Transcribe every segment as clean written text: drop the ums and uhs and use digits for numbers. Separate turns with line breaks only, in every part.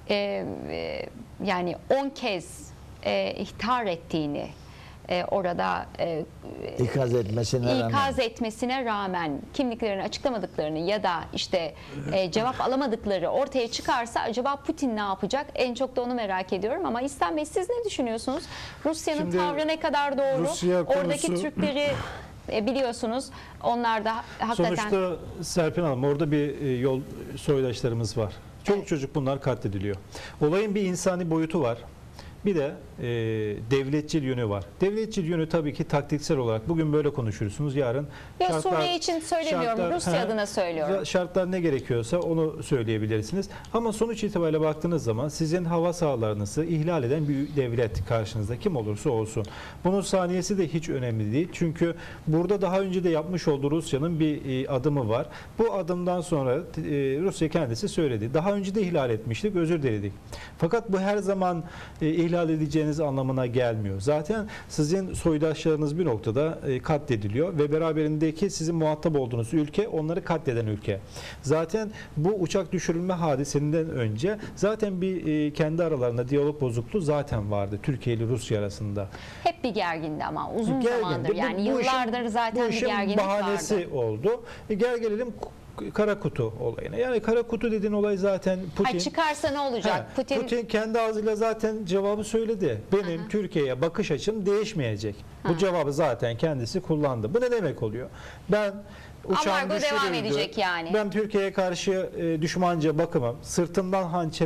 yani 10 kez ihtar ettiğini, orada ikaz etmesine rağmen kimliklerini açıklamadıklarını ya da işte cevap alamadıkları ortaya çıkarsa acaba Putin ne yapacak? En çok da onu merak ediyorum. Ama İhsan Bey, siz ne düşünüyorsunuz? Rusya'nın tavrı ne kadar doğru? Oradaki Türkleri biliyorsunuz, onlar da hakikaten...
Sonuçta Serpil Hanım, orada bir yol soydaşlarımız var. Çoluk çocuk bunlar katlediliyor. Olayın bir insani boyutu var. Bir de devletçil yönü var. Devletçil yönü tabii ki taktiksel olarak bugün böyle konuşursunuz, yarın
ya Suriye için söylemiyorum, Rusya adına söylüyorum.
Şartlar ne gerekiyorsa onu söyleyebilirsiniz. Ama sonuç itibariyle baktığınız zaman sizin hava sahalarınızı ihlal eden bir devlet karşınızda, kim olursa olsun. Bunun saniyesi de hiç önemli değil. Çünkü burada daha önce de yapmış olduğu Rusya'nın bir adımı var. Bu adımdan sonra Rusya kendisi söyledi. Daha önce de ihlal etmiştik, özür diledik. Fakat bu her zaman ihlal edeceğiniz anlamına gelmiyor. Zaten sizin soydaşlarınız bir noktada katlediliyor ve beraberindeki sizin muhatap olduğunuz ülke onları katleden ülke. Zaten bu uçak düşürülme hadisesinden önce zaten bir kendi aralarında diyalog bozukluğu zaten vardı Türkiye ile Rusya arasında.
Hep bir gergindi ama uzun zamandır, yani yıllardır zaten bir gerginlik vardı.
Bahanesi oldu. Gel gelelim kara kutu olayına. Yani kara kutu dediğin olay zaten Putin...
çıkarsa ne olacak?
Putin kendi ağzıyla zaten cevabı söyledi. Benim Türkiye'ye bakış açım değişmeyecek. Bu cevabı zaten kendisi kullandı. Bu ne demek oluyor? Ben uçağım
devam edecek yani.
Ben Türkiye'ye karşı düşmanca bakımım. Sırtımdan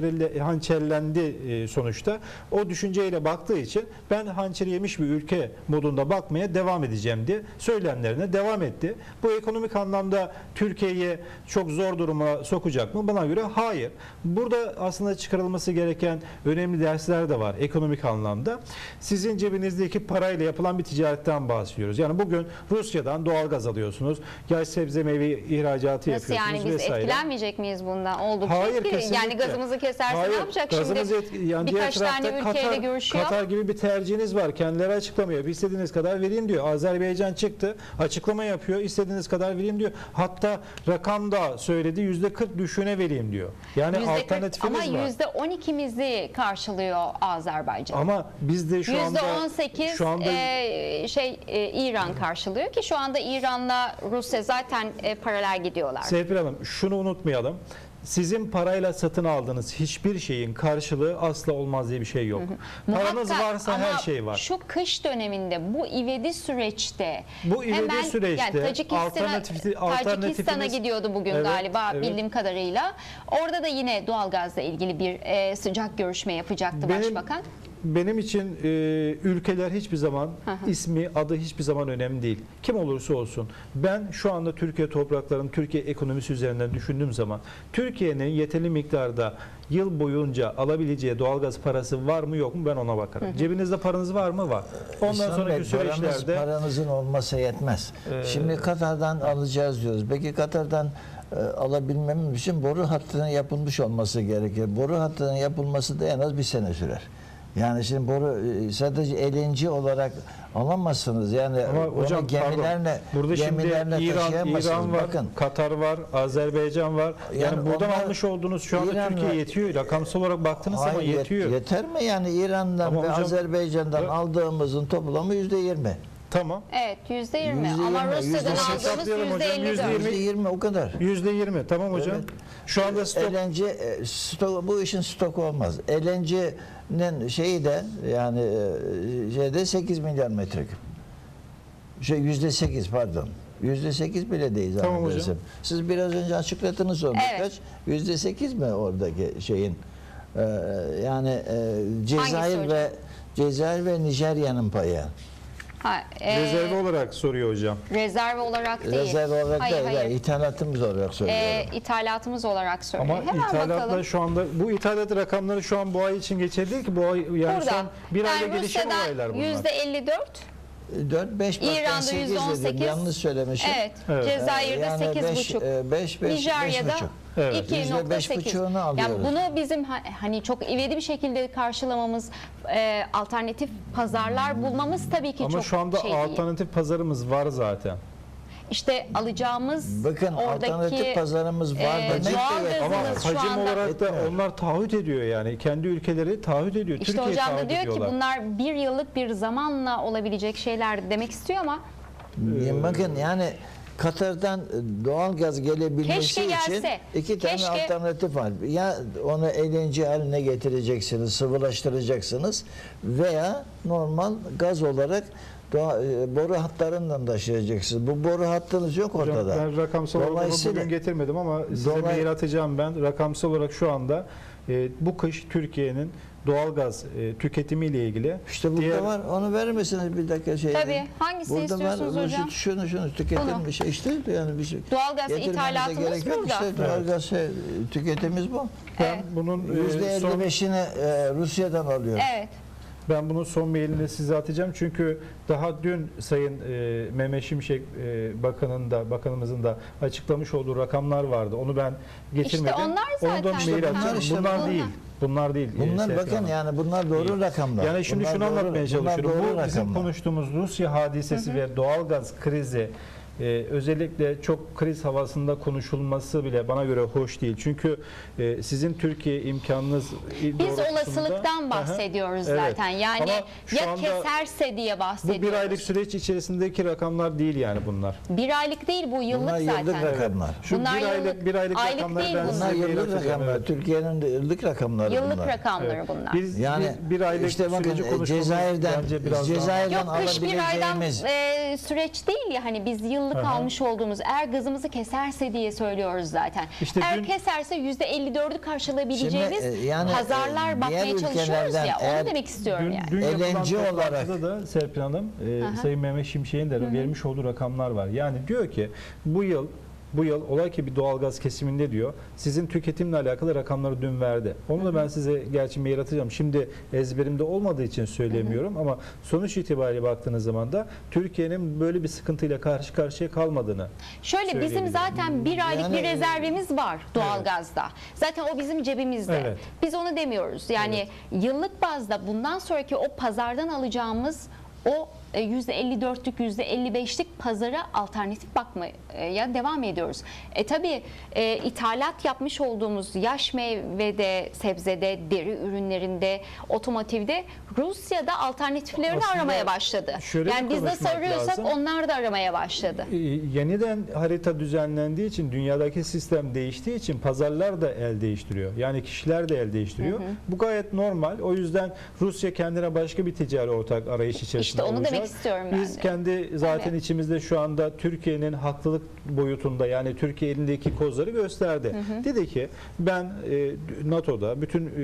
hançerlendi sonuçta. O düşünceyle baktığı için ben hançeri yemiş bir ülke modunda bakmaya devam edeceğim diye söylemlerine devam etti. Bu ekonomik anlamda Türkiye'yi çok zor duruma sokacak mı? Bana göre hayır. Burada aslında çıkarılması gereken önemli dersler de var ekonomik anlamda. Sizin cebinizdeki parayla yapılan bir ticaretten bahsediyoruz. Yani bugün Rusya'dan doğalgaz alıyorsunuz. Sebze meyve ihracatı
nasıl
yapıyorsunuz
yani, biz
vesaire.
etkilenmeyecek miyiz bundan? Oldukça
Hayır,
etkili. Yani gazımızı keserse ne yapacak şimdi?
Yani
birkaç tane ülkeyle görüşüyor.
Katar gibi bir tercihiniz var. Kendileri açıklamıyor. İstediğiniz kadar vereyim diyor. Azerbaycan çıktı. Açıklama yapıyor. İstediğiniz kadar vereyim diyor. Hatta rakam da söyledi. %40 düşüğüne vereyim diyor. Yani alternatifimiz
ama
var.
%12'mizi karşılıyor Azerbaycan.
Ama biz de şu anda
%18 İran karşılıyor ki şu anda İran'la Rusya zaten paralel gidiyorlar.
Serpil Hanım, şunu unutmayalım. Sizin parayla satın aldığınız hiçbir şeyin karşılığı asla olmaz diye bir şey yok. Paranız varsa her şey var.
Şu kış döneminde, bu ivedi süreçte, Tacikistan'a gidiyordu bugün galiba bildiğim kadarıyla. Orada da yine doğalgazla ilgili bir sıcak görüşme yapacaktı başbakan.
Benim için ülkeler hiçbir zaman, ismi, adı hiçbir zaman önemli değil. Kim olursa olsun. Ben şu anda Türkiye topraklarının, Türkiye ekonomisi üzerinden düşündüğüm zaman Türkiye'nin yeterli miktarda yıl boyunca alabileceği doğalgaz parası var mı yok mu, ben ona bakarım. Cebinizde paranız var mı? Var. Ondan sonraki süreçlerde...
Paranızın olmasa yetmez. Şimdi Katar'dan alacağız diyoruz. Peki Katar'dan alabilmemiz için boru hattının yapılmış olması gerekir. Boru hattının yapılması da en az bir sene sürer. Yani şimdi boru sadece LNG olarak alamazsınız. Yani
ama hocam
gemilerle,
burada şimdi İran var,
bakın.
Katar var, Azerbaycan var. Yani buradan almış olduğunuz şu anda Türkiye yetiyor. Rakamsal olarak baktığınız zaman yetiyor.
Yeter mi? Yani İran'dan
ama
ve
hocam,
Azerbaycan'dan aldığımızın toplamı %20.
Tamam.
Evet, %20 ama Rusya'dan aldığımız %54.
%20 o kadar.
%20 tamam hocam. Evet. Şu anda
stok, bu işin stoku olmaz. LNG'nin şeyi de yani şeyde 8 milyar metreküp. %8 pardon. %8 bile değil
tamam hocam.
Siz biraz önce açıkladınız onu.
Evet.
%8 mi oradaki şeyin? Cezayir ve Nijerya'nın payı.
Rezerv olarak soruyor hocam.
Rezerv olarak değil.
Rezerv olarak değil. Yani ithalatımız olarak söylüyorum.
İthalatımız olarak söylüyor.
Ama ithalatla şu anda bu ithalat rakamları şu an bu ay için geçerli değil ki, bu ay yani son bir ayda gelişen olaylar bunlar.
%54.
4-5
İran'da %18.
Yanlış söylemişim.
Evet. Cezayir'de yani 8,5. Nijerya'da 2,8. Yani bunu bizim hani çok ivedi bir şekilde karşılamamız, alternatif pazarlar bulmamız tabii ki
ama
çok
şu anda
şey
alternatif
değil.
Pazarımız var zaten.
işte alacağımız
Bakın
oradaki
alternatif pazarımız var demek de
doğal
yetmez.
Ama
gazımız şu
hacim
anda
olarak da
Yetmiyor.
onlar taahhüt ediyor yani. Kendi ülkeleri taahhüt ediyor.
işte
Türkiye
hocam da
taahhüt
diyor ki
ediyorlar.
bunlar bir yıllık bir zamanla olabilecek şeyler demek istiyor ama
Bakın yani Katar'dan doğal gaz gelebilmesi
Keşke
için
gelse.
iki tane
Keşke.
alternatif var. Ya onu LNG haline getireceksiniz, sıvılaştıracaksınız veya normal gaz olarak boru hatlarından taşıyacaksınız. Bu boru hattınız yok
Hocam,
ortada.
ben rakamsal olarak bunu
Dolayısıyla-
bugün getirmedim ama size mail atacağım ben. Rakamsal olarak şu anda bu kış Türkiye'nin doğalgaz tüketimiyle ilgili
İşte burada var. Onu verir misiniz bir dakika şey?
tabii hangisini istiyorsunuz hocam?
Şunu tüketilmiş. İşte yani bir şey.
Doğalgaz
getirmenize
ithalatımız
gerek yok.
burada.
İşte doğalgaz tüketimimiz bu.
Ben bunun son
%55'ini Rusya'dan alıyoruz.
Evet.
Ben bunun son mailini size atacağım çünkü daha dün Sayın Mehmet Şimşek bakanımızın da açıklamış olduğu rakamlar vardı. Onu ben getirmedim.
İşte onlar
Onu da
zaten.
mail atacağım.
Bunlar işte
bunlar
bunlar.
değil. Bunlar değil.
Bunlar
Serpil
bakın
Hanım.
yani bunlar doğru rakamlar.
Yani şimdi
Bunlar
şunu
doğru-
anlatmaya
bunlar
çalışıyorum.
doğru
Bu bizim
rakamlar.
konuştuğumuz Rusya hadisesi ve doğalgaz krizi özellikle çok kriz havasında konuşulması bile bana göre hoş değil. Çünkü sizin Türkiye imkanınız
Biz
doğrultusunda-
olasılıktan bahsediyoruz
Evet.
zaten. Yani
Ama şu
ya
anda
keserse diye
bu
bahsediyoruz.
bir aylık süreç içerisindeki rakamlar değil yani bunlar.
Bir aylık değil bu yıllık
Bunlar yıllık
zaten.
rakamlar.
Şu
Bunlar
bir aylık
aylık
rakamları
değil
ben
bunlar.
size
Bunlar
mail
yıllık
atacağım,
rakamlar.
evet.
Türkiye'nin de yıllık rakamları
Yıllık
bunlar.
rakamları
Evet.
bunlar.
Biz
Yani
bir aylık
işte bakın
süreci konuşmamız
Cezayir'den
bence biraz daha-
Cezayir'den
Yok kış bir aydan
alabileceğimiz
süreç değil ya hani biz yıllık
Aha.
almış olduğumuz eğer gazımızı keserse diye söylüyoruz zaten.
İşte
eğer
dün-
keserse %54'ü karşılayabileceğimiz
Şimdi, yani,
pazarlar bakmaya
diğer
çalışıyoruz
ülkelerden
ya
eğer
onu demek istiyorum
Dün,
yani.
dün yapılan
LNG olarak-
toplantıda da Serpil Hanım, Sayın Mehmet Şimşek'in de vermiş olduğu rakamlar var. Yani diyor ki bu yıl olay ki bir doğalgaz kesiminde diyor. Sizin tüketimle alakalı rakamları dün verdi. Onu da ben size gerçi mail atacağım. Şimdi ezberimde olmadığı için söylemiyorum ama sonuç itibariyle baktığınız zaman da Türkiye'nin böyle bir sıkıntıyla karşı karşıya kalmadığını
Şöyle bizim
söyleyebilirim.
zaten bir aylık
Yani-
bir rezervimiz var doğalgazda. Zaten o bizim cebimizde.
Evet.
Biz onu demiyoruz. Yani yıllık bazda bundan sonraki o pazardan alacağımız o %54'lük %55'lik pazara alternatif bakmaya devam ediyoruz. Tabii ithalat yapmış olduğumuz yaş meyvede, sebzede, deri ürünlerinde, otomotivde Rusya'da alternatiflerini
Aslında
aramaya başladı.
şöyle
Yani biz nasıl
konuşmak
arıyorsak
lazım.
onlar da aramaya başladı.
Yeniden harita düzenlendiği için dünyadaki sistem değiştiği için pazarlar da el değiştiriyor. Yani kişiler de el değiştiriyor. Bu gayet normal. O yüzden Rusya kendine başka bir ticari ortak arayış içerisinde
İşte onu
olacak.
demek istiyorum ben
Biz
de.
kendi zaten
Tabii.
içimizde şu anda Türkiye'nin haklılık boyutunda yani Türkiye elindeki kozları gösterdi. Dedi ki ben NATO'da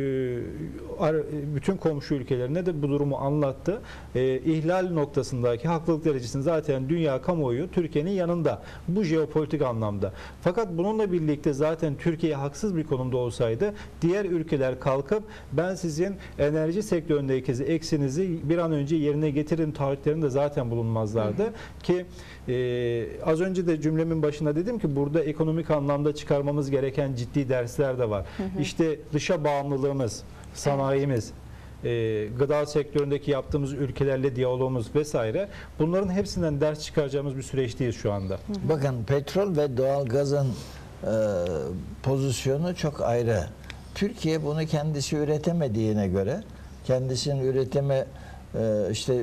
bütün komşu ülkelerine de bu durumu anlattı. İhlal noktasındaki haklılık derecesini zaten dünya kamuoyu Türkiye'nin yanında. Bu jeopolitik anlamda. Fakat bununla birlikte zaten Türkiye haksız bir konumda olsaydı diğer ülkeler kalkıp ben sizin enerji sektöründeki eksinizi bir an önce yerine getirin taahhütlerinde zaten bulunmazlardı. Ki az önce de cümlemin başında dedim ki burada ekonomik anlamda çıkarmamız gereken ciddi dersler de var. İşte dışa bağımlılığımız, sanayimiz, gıda sektöründeki yaptığımız ülkelerle diyalogumuz vesaire bunların hepsinden ders çıkaracağımız bir süreçteyiz şu anda.
bakın petrol ve doğalgazın pozisyonu çok ayrı. Türkiye bunu kendisi üretemediğine göre kendisinin üretimi işte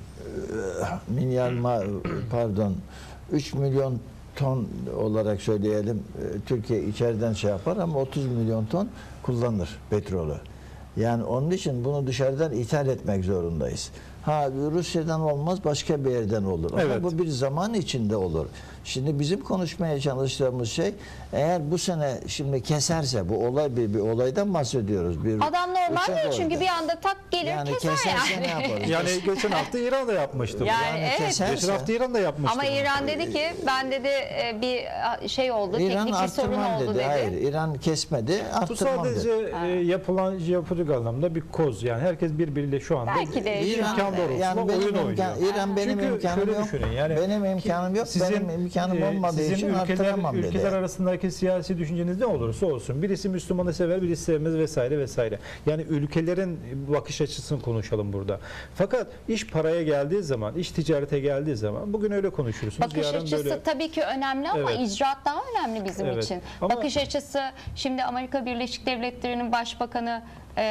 3 milyon ton olarak söyleyelim Türkiye içeriden şey yapar ama 30 milyon ton kullanır petrolü. Yani onun için bunu dışarıdan ithal etmek zorundayız. Rusya'dan olmaz başka bir yerden olur. Ama
Evet.
bu bir zaman içinde olur. Şimdi bizim konuşmaya çalıştığımız şey eğer bu sene şimdi keserse bu olay bir olaydan bahsediyoruz. Bir
Adam normal
uçak
değil çünkü
orada.
bir anda tak gelir
Yani
keser
keserse
yani.
ne yaparız?
Yani geçen hafta İran da yapmıştı. bunu.
Yani evet.
keserse-
Geçen hafta İran da yapmıştı.
Ama
bunu.
İran dedi ki ben dedi bir şey oldu,
İran
teknik bir sorun
arttırmam
oldu
dedi.
dedi.
Hayır, İran kesmedi,
Bu
arttırmam
sadece
dedi.
yapılan jeopolitik anlamda bir koz. Yani herkes birbiriyle şu anda
Belki de
İran,
İran doğrultusunda
Yani
oyun
benim
oynuyor.
İran benim
Çünkü
imkanım
şöyle
yok.
düşünün, yani
benim imkanım yok. Benim imkanım olmadığı
sizin
için arttıramam dedi.
ülkeler arasındaki siyasi düşünceniz ne olursa olsun. Birisi Müslümanı sever, birisi sevmez vesaire vesaire. Yani ülkelerin bakış açısını konuşalım burada. Fakat iş paraya geldiği zaman, iş ticarete geldiği zaman bugün öyle konuşursunuz.
Bakış
yarın
açısı
böyle.
tabii ki önemli ama
Evet.
icraat daha önemli bizim
Evet.
için.
Ama-
Bakış açısı, şimdi Amerika Birleşik Devletleri'nin başbakanı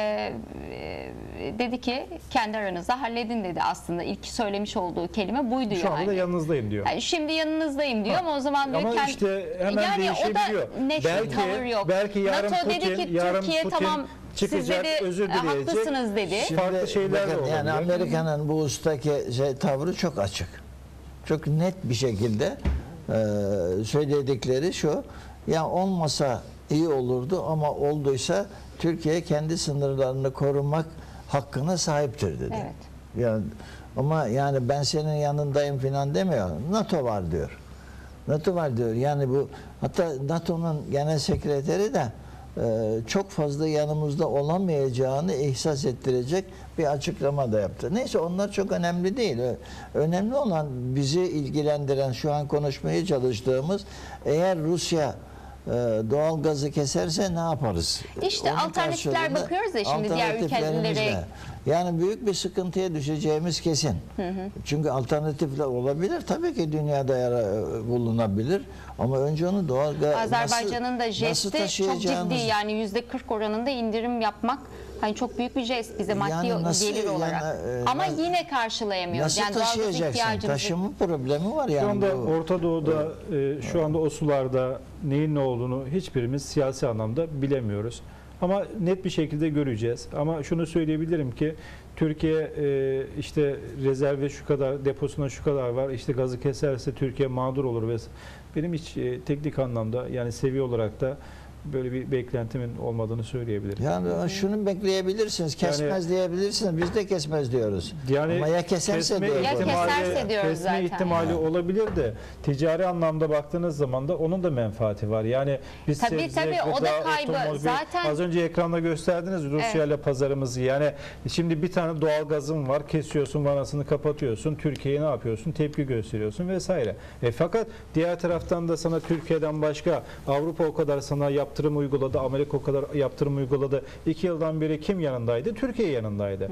dedi ki kendi aranızda halledin dedi aslında. İlk söylemiş olduğu kelime buydu
Şu anda
yani.
da yanınızdayım diyor.
Yani şimdi yanınızdayım diyor ama o zaman diyor
Ama işte hemen
yani
değişebiliyor.
o da net bir tavır yok.
Belki yarın
NATO
Putin,
dedi ki
yarın
Türkiye
Putin
tamam siz
çıkacak,
dedi
özür dileyecek.
haklısınız dedi.
Farklı şeyler de
bakın, yani
olabilir.
Amerika'nın bu ustaki tavrı çok açık. Çok net bir şekilde söyledikleri şu: ya olmasa iyi olurdu ama olduysa Türkiye kendi sınırlarını korumak hakkına sahiptir dedi.
Evet.
Yani ama yani ben senin yanındayım falan demiyor. NATO var diyor. NATO var diyor. Yani bu, hatta NATO'nun genel sekreteri de çok fazla yanımızda olamayacağını ihsas ettirecek bir açıklama da yaptı. Neyse, onlar çok önemli değil. Önemli olan, bizi ilgilendiren, şu an konuşmaya çalıştığımız, eğer Rusya doğal gazı keserse ne yaparız?
İşte
Onun
alternatifler
karşılığında
bakıyoruz ya şimdi diğer
alternatiflerimiz
ülkelere.
ne? Yani büyük bir sıkıntıya düşeceğimiz kesin. Çünkü alternatifler olabilir. Tabii ki dünyada bulunabilir. Ama önce onu doğal gaz
Azerbaycan'ın da jesti çok ciddi, yani %40 oranında indirim yapmak hani çok büyük bir jest bize maddi
Yani nasıl,
gelir olarak.
yani,
Ama yine karşılayamıyoruz.
nasıl
Yani doğalgaz
taşıyacaksın?
ihtiyacımızı.
Taşıma problemi var
Şu
yani.
anda
bu.
Orta Doğu'da şu anda o sularda neyin ne olduğunu hiçbirimiz siyasi anlamda bilemiyoruz. Ama net bir şekilde göreceğiz. Ama şunu söyleyebilirim ki Türkiye işte rezerve şu kadar, deposuna şu kadar var, İşte gazı keserse Türkiye mağdur olur ve benim hiç teknik anlamda, yani seviye olarak da böyle bir beklentimin olmadığını söyleyebilirim.
Yani şunu bekleyebilirsiniz. Kesmez diyebilirsiniz. Biz de kesmez diyoruz.
Yani
ama ya keserse
kesme
diye.
Ya keserse diyoruz
kesme
zaten.
ihtimali olabilir de ticari anlamda baktığınız zaman da onun da menfaati var. Yani biz
Tabii,
sebze,
tabii, o da
gıda,
kaybı.
otomobil,
Zaten-
az önce ekranda gösterdiniz Rusya ile pazarımızı. Yani şimdi bir tane doğal gazın var, kesiyorsun, vanasını kapatıyorsun, Türkiye'ye ne yapıyorsun? Tepki gösteriyorsun vesaire. Fakat diğer taraftan da sana Türkiye'den başka, Avrupa o kadar sana yaptırım uyguladı, Amerika o kadar yaptırım uyguladı. 2 yıldan beri kim yanındaydı? Türkiye yanındaydı.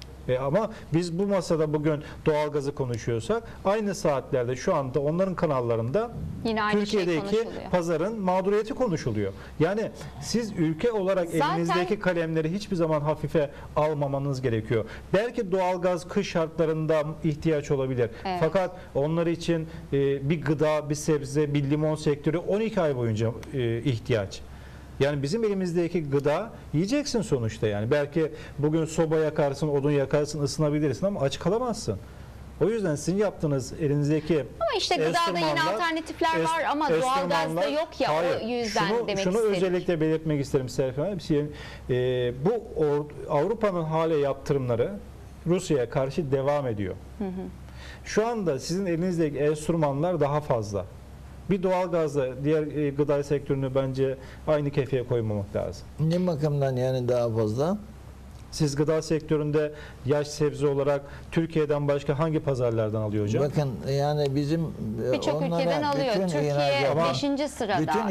Ama biz bu masada bugün doğalgazı konuşuyorsak, aynı saatlerde şu anda onların kanallarında
Yine aynı şey
Türkiye'deki
konuşuluyor.
pazarın mağduriyeti konuşuluyor. Yani siz ülke olarak
Zaten-
elinizdeki kalemleri hiçbir zaman hafife almamanız gerekiyor. Belki doğalgaz kış şartlarında ihtiyaç olabilir.
Evet.
Fakat onlar için bir gıda, bir sebze, bir limon sektörü 12 ay boyunca ihtiyaç. Yani bizim elimizdeki gıda yiyeceksin sonuçta yani. Belki bugün soba yakarsın, odun yakarsın, ısınabilirsin ama aç kalamazsın. O yüzden sizin yaptığınız elinizdeki
Ama işte gıdada yine
enstrümanlar-
alternatifler var ama doğalgazda
enstrümanlar-
yok ya,
Hayır,
o yüzden demek
şunu
istedim.
özellikle belirtmek isterim Serkan abi. Bu Avrupa'nın hala yaptırımları Rusya'ya karşı devam ediyor. Şu anda sizin elinizdeki enstrümanlar daha fazla. Bir doğalgazla diğer gıda sektörünü bence aynı kefeye koymamak lazım.
Ne bakımdan yani daha fazla?
Siz gıda sektöründe yaş sebze olarak Türkiye'den başka hangi pazarlardan alıyor hocam?
Bakın yani bizim
Birçok
onlara
ülkeden alıyor.
bütün
Türkiye
ihracat-
5. sırada.
bütün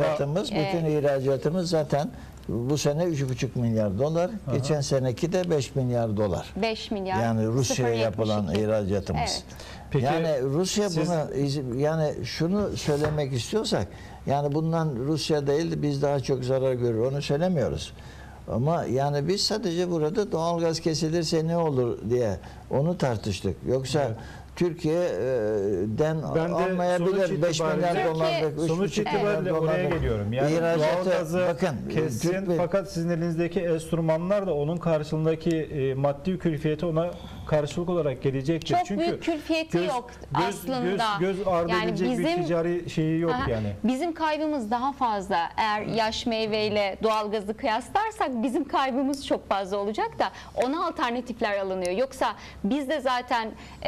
ihracatımız zaten bu sene 3,5 milyar dolar. Geçen seneki de 5 milyar dolar.
5 milyar.
Yani Rusya'ya
0,72.
yapılan ihracatımız.
Evet.
Peki,
yani Rusya
siz-
bunu, yani şunu söylemek istiyorsak, yani bundan Rusya değil biz daha çok zarar görür, onu söylemiyoruz. Ama yani biz sadece burada doğalgaz kesilirse ne olur diye onu tartıştık. Yoksa
Evet.
Türkiye'den
Ben de
almayabilir
sonuç
5 milyar
itibariyle-
dolarlık, 3,5
Sonuç
milyar
itibariyle oraya
dolarlık
geliyorum. Yani
ihracatı,
doğalgazı
bakın,
kessin
Türk-
fakat sizin elinizdeki enstrümanlar da onun karşılığındaki maddi külfiyeti ona karşılık olarak gelecektir.
Çok
Çünkü
büyük külfiyeti yok aslında.
Göz ardı
Yani
edilecek bir
bizim-
ticari şeyi yok
Aha,
yani.
Bizim kaybımız daha fazla. Eğer yaş meyveyle doğalgazı kıyaslarsak bizim kaybımız çok fazla olacak da ona alternatifler alınıyor. Yoksa biz de zaten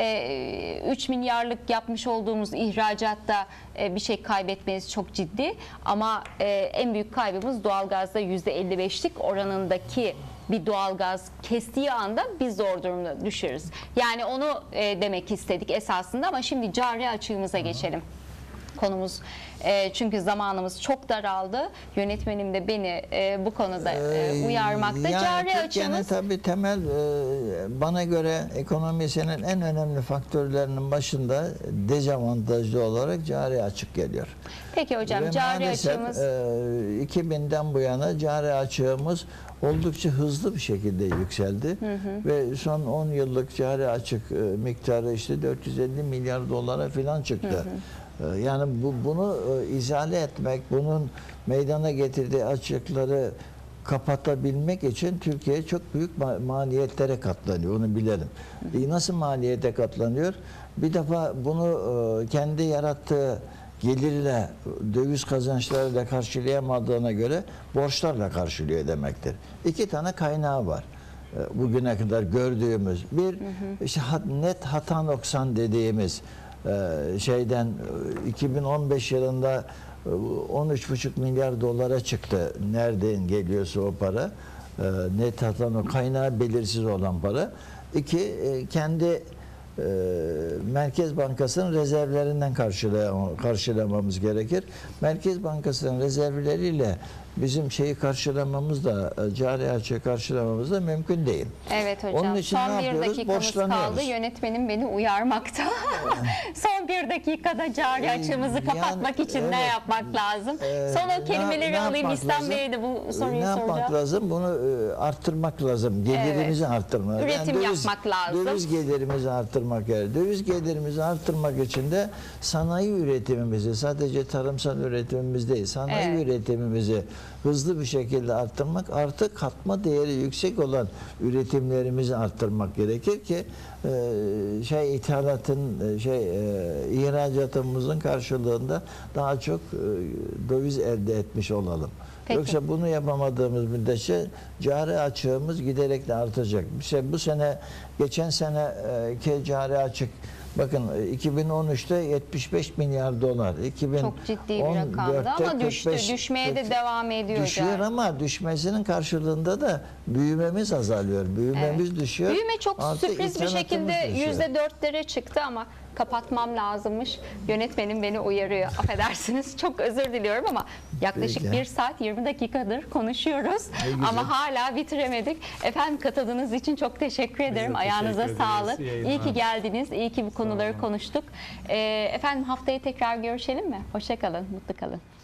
3 milyarlık yapmış olduğumuz ihracatta bir şey kaybetmeyiz çok ciddi. Ama en büyük kaybımız doğalgazda %55'lik oranındaki bir doğalgaz kestiği anda biz zor durumda düşeriz. Yani onu demek istedik esasında ama şimdi cari açığımıza geçelim. Konumuz çünkü zamanımız çok daraldı. Yönetmenim de beni bu konuda uyarmakta.
Yani
Cari
Türkiye'nin
açığımız
tabii temel bana göre ekonomisinin en önemli faktörlerinin başında dezavantajlı olarak cari açık geliyor.
peki hocam
Ve
cari
maalesef
açığımız
2000'den bu yana cari açığımız oldukça hızlı bir şekilde yükseldi. Ve son 10 yıllık cari açık miktarı işte 450 milyar dolara falan çıktı. Yani bunu izale etmek, bunun meydana getirdiği açıkları kapatabilmek için Türkiye çok büyük maliyetlere katlanıyor. Onu bilelim. Nasıl maliyete katlanıyor? Bir defa bunu kendi yarattığı gelirle, döviz kazançlarıyla karşılayamadığına göre borçlarla karşılıyor demektir. İki tane kaynağı var. Bugüne kadar gördüğümüz bir işte net hata noksan dediğimiz şeyden 2015 yılında 13,5 milyar dolara çıktı. Nereden geliyorsa o para. Net hata kaynağı belirsiz olan para. İki, kendi Merkez Bankası'nın rezervlerinden karşılamamız gerekir. Merkez Bankası'nın rezervleriyle bizim şeyi karşılamamız da cari açığı karşılamamız da mümkün değil.
Evet hocam.
Onun için
Son
ne
bir
yapıyoruz?
dakikamız kaldı. Yönetmenim beni uyarmakta. Son bir dakikada cari açığımızı kapatmak için ne
evet.
yapmak lazım? Son o kelimeleri alayım. İslam Bey'e de bu soruyu
ne yapmak
soracağım.
lazım? Bunu arttırmak lazım. Gelirimizi arttırmak.
Üretim yapmak lazım.
Döviz gelirimizi arttırmak gerekir. Döviz gelirimizi arttırmak için de sanayi üretimimizi, sadece tarımsal üretimimiz değil, sanayi üretimimizi hızlı bir şekilde arttırmak, artık katma değeri yüksek olan üretimlerimizi arttırmak gerekir ki ihracatımızın karşılığında daha çok döviz elde etmiş olalım.
Peki.
Yoksa bunu yapamadığımız müddetçe cari açığımız giderek de artacak. Bu sene, geçen seneki cari açık, bakın 2013'te 75 milyar dolar.
Çok ciddi bir rakamdı ama düşmeye de devam ediyor.
Düşüyor ama düşmesinin karşılığında da büyümemiz azalıyor. Büyümemiz düşüyor.
Büyüme çok sürpriz bir şekilde
düşüyor.
%4'lere çıktı ama kapatmam lazımmış. Yönetmenim beni uyarıyor. Affedersiniz. Çok özür diliyorum ama yaklaşık
Peki.
1 saat 20 dakikadır konuşuyoruz. Ama hala bitiremedik. Efendim katıldığınız için çok teşekkür ederim.
de
Ayağınıza
teşekkür
sağlık.
ederiz. İyi
İyi ki
yayınlar.
geldiniz. İyi ki bu konuları konuştuk. Efendim haftaya tekrar görüşelim mi? Hoşça kalın. Mutlu kalın.